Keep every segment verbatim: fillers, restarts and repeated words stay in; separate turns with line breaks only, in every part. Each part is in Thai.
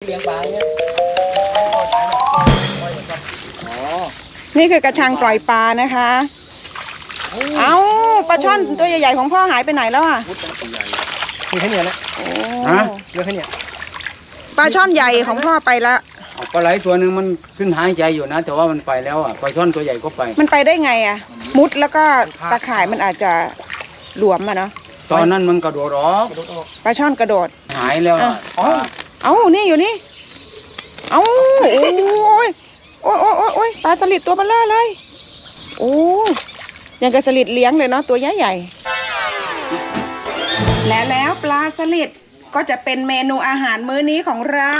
เลี้ยงปลาเนี่ยอ๋อ
นี่คือกระชังปล่อยปลานะคะเอาปลาช่อนตัวใหญ่ๆของพ่อหายไปไหนแล้วอ่ะ
มีแค่นี้แหละฮะเยอะแค่นี้
ปลาช่อนใหญ่ของพ่อไปละ
ปลาไหลตัวหนึ่งมันขึ้นหายใจอยู่นะแต่ว่ามันไปแล้วอ่ะปลาช่อนตัวใหญ่ก็ไป
มันไปได้ไงอ่ะมุดแล้วก็ตะข่ายมันอาจจะหลวมอ่ะเนาะ
ตอนนั้นมันกระโดดออก
ปลาช่อนกระโดด
หายแล้วอ่ะ
เอ้านี่อยู่นี่เอ้าโอ้ยโอ้ยโอ้ยโอ้ยโอ้ยปลาสลิดตัวเบลอเลยโอ้ยังกับสลิดเลี้ยงเลยเนาะตัวใหญ่ใหญ่และแล้วปลาสลิดก็จะเป็นเมนูอาหารมื้อนี้ของเรา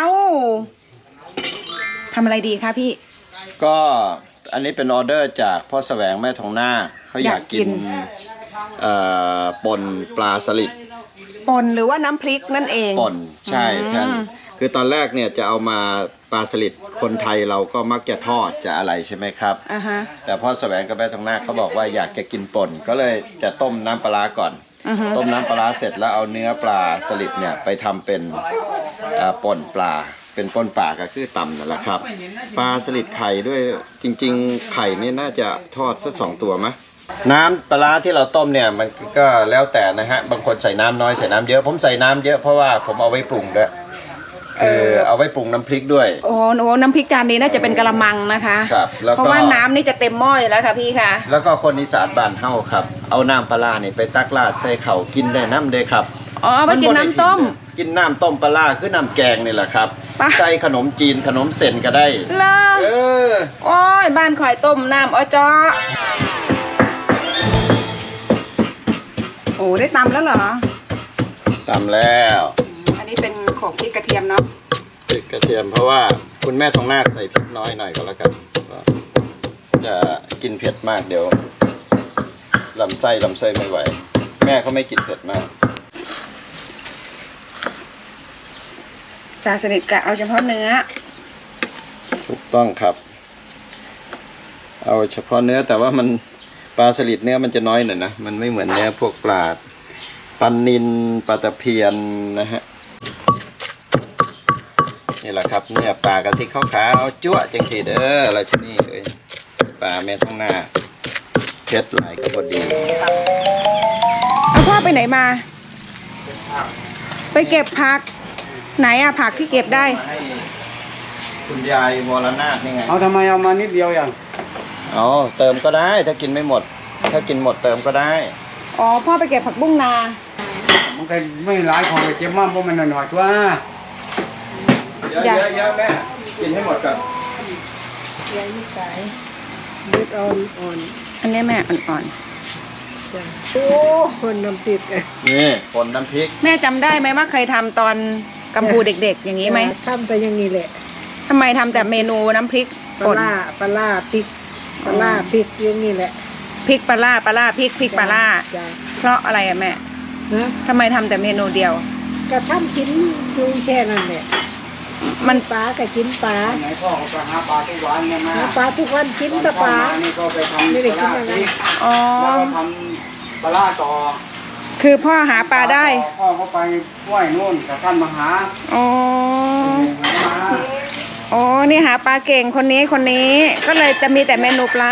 ทำอะไรดีคะพี่
ก็อันนี้เป็นออเดอร์จากพ่อแสวงแม่ทองหน้าเขาอยากกินป่นปลาสลิด
ป่นหรือว่าน้ำพริกนั่นเอง
ป่นใช่ท่านคือตอนแรกเนี่ยจะเอามาปลาสลิดคนไทยเราก็มักจะทอดจะอะไรใช่ไหมครับ
uh-huh.
แต่พ่อแสวงกับแม่ทองหน้าเขาบอกว่าอยากจะกินป่นก็เลยจะต้มน้ำปลาก่อน uh-huh. ต้มน้ำปลาเสร็จแล้วเอาเนื้อปลาสลิดเนี่ยไปทำเป็นป่นปลาเป็นป่นปลาก็คือตำนั่นแหละครับปลาสลิดไข่ด้วยจริงๆไข่นี่น่าจะทอดสักสองตัวไหมน้ำปลาที่เราต้มเนี่ยมันก็แล้วแต่นะฮะบางคนใส่น้ำน้อยใส่น้ำเยอะผมใส่น้ำเยอะเพราะว่าผมเอาไว้ปรุงด้วยคือเอาไว้ปรุงน้ำพริกด้วย
โอ้โหน้ำพริกจานนี้น่าจะเป็นกะละมังนะคะ
ครับ
เพราะว่าน้ำนี่จะเต็มหม้ออยู่แล้วค่ะพี่ค่ะ
แล้วก็คนอีสานบ้านเฮาครับเอาน้ำปลาเนี่ยไปตักราดใส่เข่ากินได้น้ำเด้ครับ
อ๋อไปกินน้ำต้ม
กินน้ำต้มปลาคือน้ำแกงนี่แหละครับใส่ขนมจีนขนมเส้นก็ได้
เล
เออ
โอ้ยบ้านข่อยต้มน้ำอ้อจ้อโอ้ได้ตำแล้วเหรอ
ตำแล้ว
อันนี้เป็นโขลกพริกกระเทียมเนาะ
พริกกระเทียมเพราะว่าคุณแม่ทองนาคใส่พริกน้อยหน่อยก็แล้วกันจะกินเผ็ดมากเดี๋ยวลำไส้ลำไส้ไม่ไหวแม่เขาไม่กินเผ็ดมาก
ปลาสลิดกะเอาเฉพาะเนื้อ
ถูกต้องครับเอาเฉพาะเนื้อแต่ว่ามันปลาสลิดเนื้อมันจะน้อยหน่อยนะมันไม่เหมือนเนื้อพวกปลาปลานิลปลาตะเพียนนะฮะนี่แหละครับเนื้อปลากะทิขาวๆจั่วจังสีเด้อราชนีเอ้ยปลาแม่ท้องหน้าเผ็ดหลายก็พอดี
เอาพ่อไปไหนมาไปเก็บผักไหนอะผักที่เก็บได้
คุณยายวรนาถนี่ไง
เอาทำไมเอามานิดเดียวอย่าง
อ๋อเติมก็ได้ถ้ากินไม่หมดถ้ากินหมดเติมก็ได้
อ๋อพ่อไปเก็บผักบุ้งนา
มันก็ไม่หลายของไปเจ็บมากเพราะมันหน่อยๆตัว
เยอะเยอะเยอะแม่กินให้หมดก่อน
เยอะยิ่งไก่เลือดอ่อนอ่อนอันนี้แม่อ่อนๆโอ้คนน้ำพริก
นี่คนน้ำพริก
แม่จำได้ไหมว่าเคยทำตอนกัมพูเด็กๆอย่างนี้ไหม
ทำแต่อย่างนี้แหละ
ทำไมทำแต่เมนูน้ำพริก
ปลาปลาพริกปลาพริกอย่างนี้แหละ
พริกปลาปลาพริกพริกปลาเพราะอะไรอะแม่ทำไมทำแต่เมนูเดียว
ก็ทำกินดูแค่นั้นแหละ
มัน
ปลาก็กินปลา
ไหนพ่อไปหาปลาทุกวันเนี่ยมา
หาปลาทุกวันกินแต่ปลา
นี่ก็ไปทำไม่ได้กินอะไร
อ๋อ
แล้วก็ทำปลาต่อ
คือพ่อหาปลาได้
พ่อเขาไปห้วยนู่นกับท่านมาหา
อ๋ออ๋อนี่หาปลาเก่งคนนี้คนนี้ก็เลยจะมีแต่เมนูปลา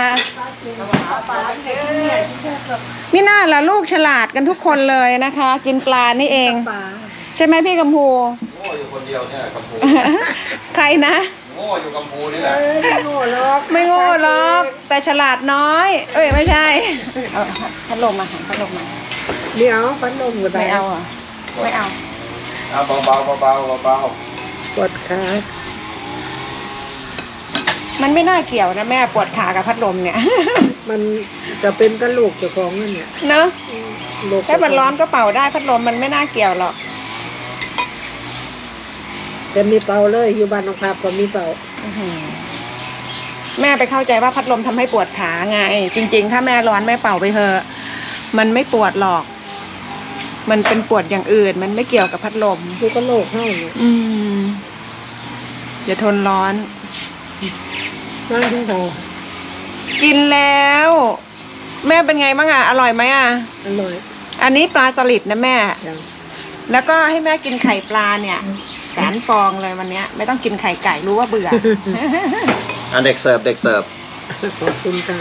นี่น่าละลูกฉลาดกันทุกคนเลยนะคะกินปลานี่เองใช่ไหมพี่กัมพู
โง่อยู่คนเดียวเนี่ยกัมพู
ใครนะ
โง่อยู่กัมพูนี่แหละ
ไม่โง่หรอกไม่โง่หรอกแต่ฉลาดน้อยเอ้ยไม่ใช่เอาพัดลมมาพัดลมมา
เดี๋ยวพัดลมก็ได้
ไม่เอาอ่ะไม่เอา
เอาเบาเบาเบาเบาเบา
ปวดขา
มันไม่น่าเกี่ยวนะแม่ปวดขากับพัดลมเนี่ย
มันจะเป็นกระโหลกเจ้าของนั่นเนี่ย
เนอะถ้ามันร้อนก็เป่าได้พัดลมมันไม่น่าเกี่ยวหรอก
แต่มีเป่าเลยอยู่บ้านน้องภาพก็มีเป่า
แม่ไปเข้าใจว่าพัดลมทำให้ปวดขาไงจริงๆถ้าแม่ร้อนแม่เป่าไปเถอะมันไม่ปวดหรอกมันเป็นปวดอย่างอื่นมันไม่เกี่ยวกับพัดลม
คือกระโหลกให้
อืมอย่าทนร้อน
นั่งที่เรา
กินแล้วแม่เป็นไงบ้างอ่ะอร่อยไหมอ่ะ
อร่อย
อันนี้ปลาสลิดนะแม่แล้วก็ให้แม่กินไข่ปลาเนี่ยสารฟองเลยวันเนี้ยไม่ต้องกินไข่ไก่รู้ว่าเบื่อ
อันเด็กเสิร์ฟเด็กเสิร์ฟ
ขอบคุณครับ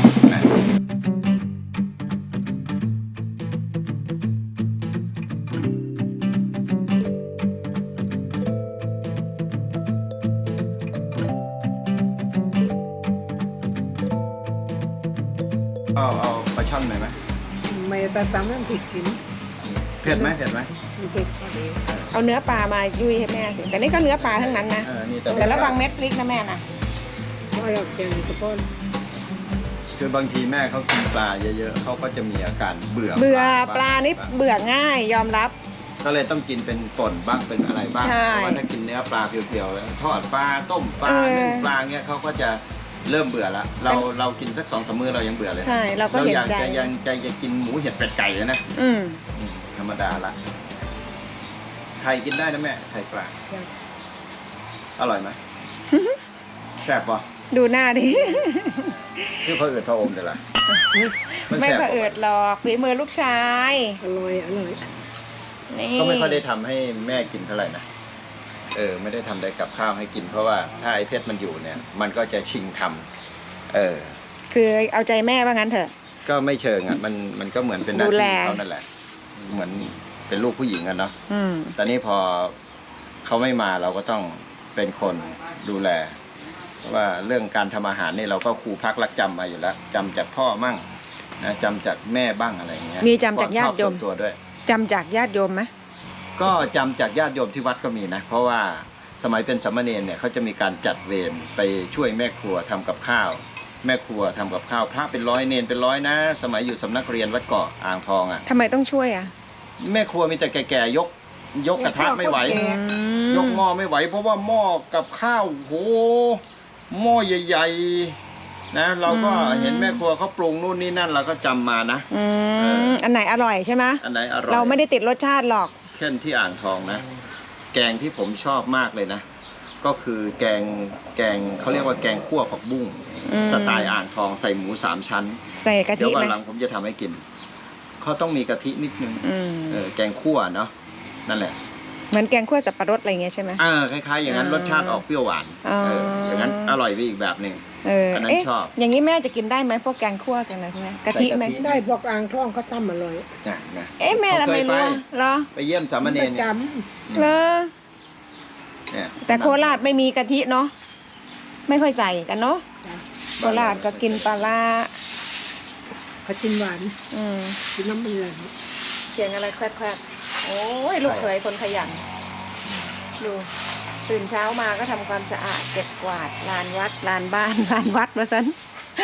เอาเอาปลาช่อนหน่อยไหม
ไม่แต่ตามนั้นผิดกิน
เผ็ดไหมเผ็ดไหม
มันเผ็ดพอดี
เอาเนื้อปลามายุยให้แม่สิแต่นี่ก็เนื้อปลาทั้งนั้นนะ
เออนี่แต่
แต่ระวังเม็ดพริกนะแม่นะ
ก็ออกแกงกระป้อน
คือบางทีแม่เขากินปลาเยอะๆเขาก็จะมีอาการเบื่อ
เบื่อปลานี่เบื่อง่ายยอมรับ
ก็เลยต้องกินเป็นป่นบ้างเป็นอะไรบ้าง
ใช่
เพราะว่าถ้ากินเนื้อปลาเพียวๆแล้วทอดปลาต้มปลา
เออ
นึ่งปลาเงี้ยเขาก็จะเริ่มเบื่อละเราเรากินสักสองสามมื้อเรายังเบื่อเลย
ใช่เราก็
เรา
เห็น
อยาก
ใจ
จะยังใจจะกินหมูเห็ดเป็ดไก่เลยนะ
อืม
อืมธรรมดาละไข่กินได้นะแม่ไข่ปลาอร่อยไหมแซ่บปะ
ดูหน้าดิ
คือพระเอิดพระอมเดี๋ยวละ
ไม่
แซ่บ
เผอิดหรอกฝีมือลูกชาย
อร่อยอร่อย
นี่
ก็ไม่ค่อยได้ทำให้แม่กินเท่าไหร่นะเออไม่ได้ทำได้กับข้าวให้กินเพราะว่าถ้าไอ้เพชรมันอยู่เนี่ย มันก็จะชิงทำเออ
คือเอาใจแม่ว่างั้นเถอะ
ก็ไม่เชิงอ่ะมันมันก็เหมือนเป็นหน้า
ดู
ที่
แล
เขานั่นแหละ เหมือนเป็นลูกผู้หญิงกันเนาะ
อืม
แต่นี่พอเขาไม่มาเราก็ต้องเป็นคนดูแลเพราะว่าเรื่องการทำอาหารนี่เราก็ครูพักรักจำมาอยู่แล้วจำจากพ่อมั่งนะจำจากแม่บ้างอะไรอย่างเงี้ย
มีจำจากญาติโยม
ควชอบส่วนตัวด้วย
จำจากญาติโยมไหม
ก็จำจากญาติโยมที่วัดก็มีนะ เพราะว่าสมัยเป็นสามเณรเนี่ยเขาจะมีการจัดเวรไปช่วยแม่ครัวทำกับข้าว แม่ครัวทำกับข้าวพระเป็นร้อยเนรเป็นร้อยนะ สมัยอยู่สำนักเรียนวัดเกาะอ่างทองอ่ะ
ทำไมต้องช่วยอ่ะ
แม่ครัวมีแต่แก่ๆยกยกกระทะไม่ไหว
อืม
ยกหม้อไม่ไหว เพราะว่าหม้อกับข้าวโหหม้อใหญ่ๆนะเราก็เห็นแม่ครัวเขาปรุงนู่นนี่นั่นเราก็จำมานะ
อื
เออ
มอันไหนอร่อยใช่ไหม
อันไหนอร่อย
เราไม่ได้ติดรสชาติหรอก
เช่นที่อ่างทองนะ แกงที่ผมชอบมากเลยนะ ก็คือแกงแกงเขาเรียกว่าแกงคั่วผักบุ้ง
อืม
สไตล์อ่างทองใส่หมูสามชั้น
ใส่กะ
เดี๋ย
ทิ
ววัน
ไหม
หลังผมจะทำให้กินเขาต้องมีกะทินิดนึง
อืม
เออแกงคั่วเนาะนั่นแหละ
เหมือนแกงคั่วสับปะรดอะไรเงี้ยใช่ไหม
เออคล้ายๆอย่างนั้น
อ่าร
รสชาติออกเปรี้ยวหวาน
อ๋อ
เอออย่างนั้นอร่อยไปอีกแบบหนึ่ง
เออ
อันนั้น
เอ๊ะ
ชอบ
อย่างนี้แม่จะกินได้ไหมพวกแกงคั่วกันอะไรพวกนี้กะทิไหม
ใส่กะทิ
ได้บอกอ่างท่องเขาตั้มอร่อย
นะนะ
เอ๊ะแม่ทำไมรู้อะเหรอ
ไปเยี่ยมสามเณ
ป
ร
ระ
เนี่ย
จ
เหรอ
เนี่ย
แต่โคราชไม่มีกะทิเนาะไม่ค่อยใส่กันเนาะ
ำ
โคราชก็กินปลาร้า
เขากินหวาน
อืม
กินน้ำมันเลย
เสียงอะไรแควกๆโอ้ยลูกเขยคนขยันดูตื่นเช้ามาก็ทำความสะอาดเก็บกวาดลานวัดลานบ้าน ลานวัดมาซัน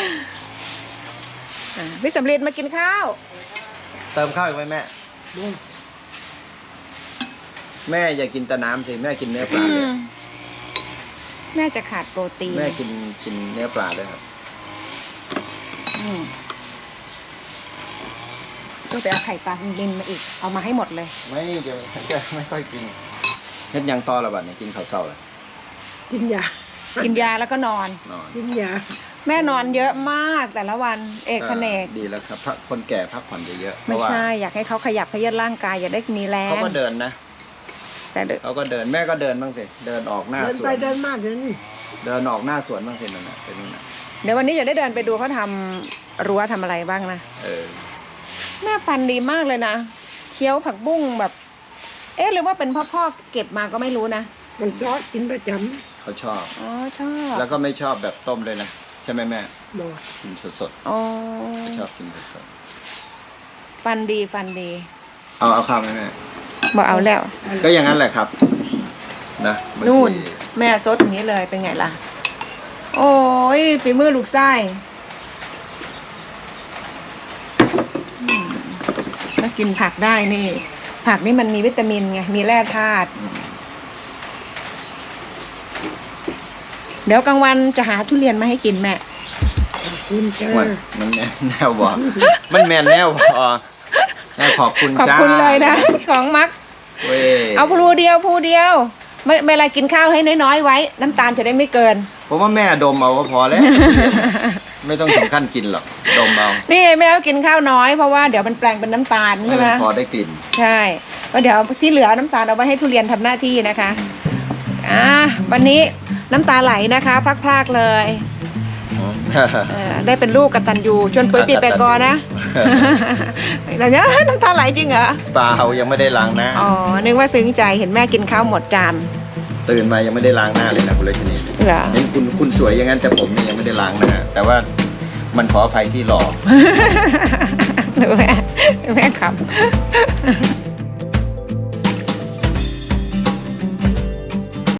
อ่ะพี่สำลีมากินข้าว
เติมข้าวอีกไหมแม่ แม่อย่ากินแต่น้ำสิแม่กินเนื้อปลาเลย
แม่จะขาดโปรตีน
แม่กินกินเนื้อปลาด้วยครับ
อืมต้องไปเอาไข่ปลาดินมาอีก เอามาให้หมดเลย
ไม่จะจะไม่ค่อยกินเฮ็ดหยังต่อละบัดเนี่ยกินข้าวเช้าเลย
กินยา
กินยาแล้วก็นอน
นอน
กินยา
แม่นอนเยอะมากแต่ละวัน เอกแผนก
ดีแล้วครับพักคนแก่พักผ่อนเยอะๆเพ
ไม่
ราะว่า
ใช่ อยากให้เขาขยับเขยื้อนร่างกาย อย่าได้มีแรง
เขาก็เดินนะ
แต่เดี๋ยว
เขาก็เดินแม่ก็เดินบ้างสิเดินออกหน้า
เดิน
สว
ไป
น
เดินมาเดินนี่
เดินออกหน้าสวนบ้างสินั่นน่ะเป็นนั่นน่ะ
เดี๋ยววันนี้จะได้เดินไปดูเขาทำรั้วทำอะไรบ้างนะ
เออ
แม่ฟันดีมากเลยนะเคี้ยวผักบุ้งแบบ เอ๊ะหรือว่าเป็นพ่อพ่อเก็บมาก็ไม่รู้นะ
มันซอสกินประจ
เขาชอบ
อ๋อชอบ
แล้วก็ไม่ชอบแบบต้มเลยนะใช่ไหมแม่
ำบอก
กินสด
อ๋อ
ๆเขาชอบกินสด
ฟันดีฟันดี
ๆเอาเอาข้าวไหมแม่
บอกเอาแล้ว
ก็อย่างนั้นแหละครับนะบางที
นู่น แม่ซดอย่างนี้เลยเป็นไงล่ะ โอ้ยฝีมือลูกไส้อืมแล้วกินผักได้นี่ ผักนี่มันมีวิตามินไงมีแร่ธาตุเดี๋ยวกลางวันจะหาทุเรียนมาให้กินแม่
กินจ้า
มันมันแม่นแนวบอกมันแม่นแนวพอแม่ขอบคุณ
ขอบ
จ้า
คุณเลยนะ ของมัก
เว้ย
เอาพลูเดียวพลูเดียวไม่เวลากินข้าวให้น้อยๆไว้ น้ำตาลจะได้ไม่เกิน
ผมว่าแม่ดมเอาก็พอแล้ว ไม่ต้องถึงขั้นกินหรอกดมเอา
นี่แม่ก็กินข้าวน้อยเพราะว่าเดี๋ยวมันแปลงเป็นน้ำตาลใช่ไหม
ให้นพอได้กลิ่น
ใช่ก็เดี๋ยวที่เหลือน้ำตาลเอาไว้ให้ทุเรียนทำหน้าที่นะคะอ่าวันนี้น้ำตาไหลนะคะพรากๆเลยเออได้เป็นลูกกตัญญูชวนปุ๋ยปีแปกอนะแต่เนี้ยน้ำตาไหลจริงเหรอ
เปล่ายังไม่ได้ล้างหน้า
อ๋อนึกว่าซึ้งใจเห็นแม่กินข้าวหมดจาน
ตื่นมายังไม่ได้ล้างหน้าเลยนะคุณเลชนี
เหรอ
เห็นคุณคุณสวยอย่างนั้นแต่ผมนี่ยังไม่ได้ล้างหน้าแต่ว่ามันขออภัยที่หล่อ
แม่แม่ขับ